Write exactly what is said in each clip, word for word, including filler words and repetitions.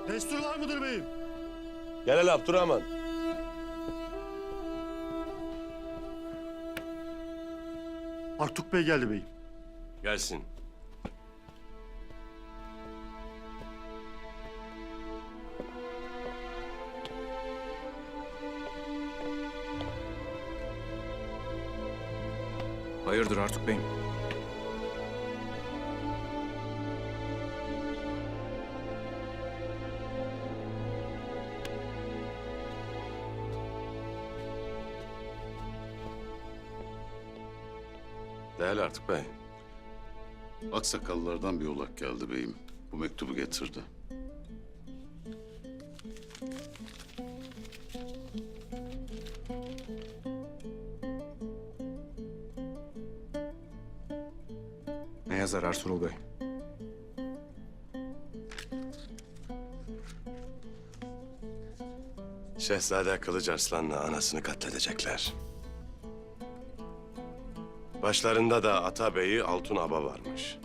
Destur var mıdır beyim? Gel hele Abdurrahman. Artuk Bey geldi beyim. Gelsin. Hayırdır Artuk Bey'im? Değerli Artuk Bey. Aksakallılardan bir olak geldi beyim. Bu mektubu getirdi. Ne yazar Ertuğrul Bey? Şehzade Kılıç Arslan'la anasını katledecekler. Başlarında da Atabeyi Altun Aba varmış.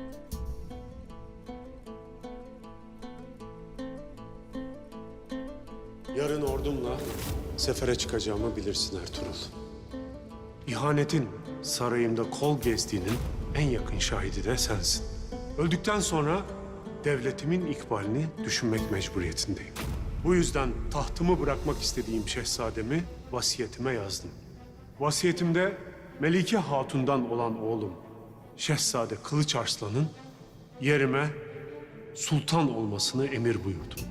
Yarın ordumla sefere çıkacağımı bilirsin Ertuğrul. İhanetin sarayımda kol gezdiğinin en yakın şahidi de sensin. Öldükten sonra devletimin ikbalini düşünmek mecburiyetindeyim. Bu yüzden tahtımı bırakmak istediğim şehzademi vasiyetime yazdım. Vasiyetimde Melike Hatun'dan olan oğlum Şehzade Kılıç Arslan'ın yerime sultan olmasını emir buyurdum.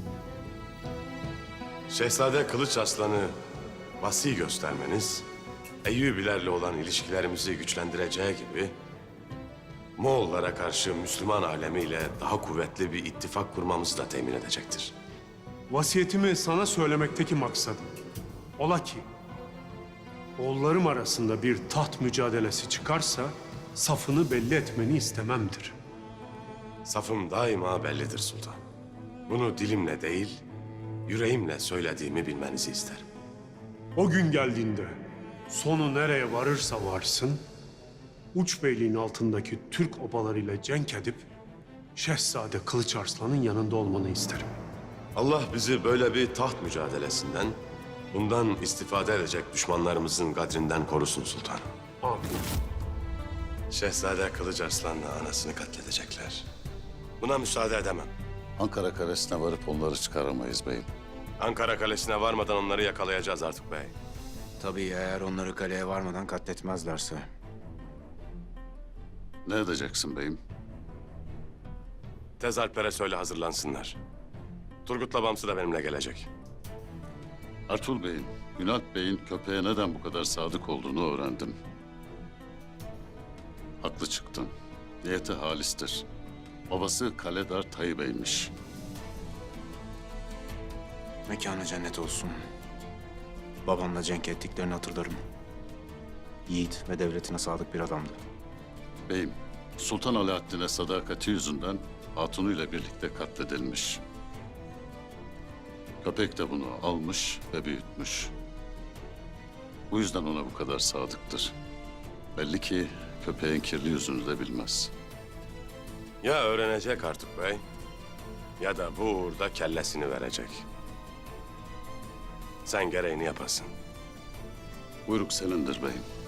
Şehzade Kılıç Arslan'ı vasi göstermeniz, Eyyubilerle olan ilişkilerimizi güçlendireceği gibi, Moğollara karşı Müslüman alemiyle daha kuvvetli bir ittifak kurmamızı da temin edecektir. Vasiyetimi sana söylemekteki maksadım, ola ki oğullarım arasında bir taht mücadelesi çıkarsa safını belli etmeni istememdir. Safım daima bellidir sultan. Bunu dilimle değil, yüreğimle söylediğimi bilmenizi isterim. O gün geldiğinde sonu nereye varırsa varsın, Uçbeyliğin altındaki Türk obalarıyla cenk edip Şehzade Kılıç Arslan'ın yanında olmanı isterim. Allah bizi böyle bir taht mücadelesinden, bundan istifade edecek düşmanlarımızın kadrinden korusun sultanım. Amin. Şehzade Kılıç Arslan'la anasını katledecekler. Buna müsaade edemem. Ankara Kalesi'ne varıp onları çıkaramayız beyim. Ankara Kalesi'ne varmadan onları yakalayacağız Artuk Bey. Tabii eğer onları kaleye varmadan katletmezlerse. Ne edeceksin beyim? Tez Alplere söyle hazırlansınlar. Turgut'la Bamsı da benimle gelecek. Ertuğrul Bey'in, Ünalp Bey'in köpeğe neden bu kadar sadık olduğunu öğrendim. Haklı çıktın. Niyeti halistir. Babası Kaledar Tayyip Bey'miş. Mekanı cennet olsun. Babamla cenk ettiklerini hatırlarım. Yiğit ve devletine sadık bir adamdı. Beyim, Sultan Alaaddin'e sadakati yüzünden hatunuyla birlikte katledilmiş. Köpek de bunu almış ve büyütmüş. Bu yüzden ona bu kadar sadıktır. Belli ki köpeğin kirli yüzünü de bilmez. Ya öğrenecek Artuk Bey, ya da bu uğurda kellesini verecek. Sen gereğini yapasın. Buyruk senindir beyim.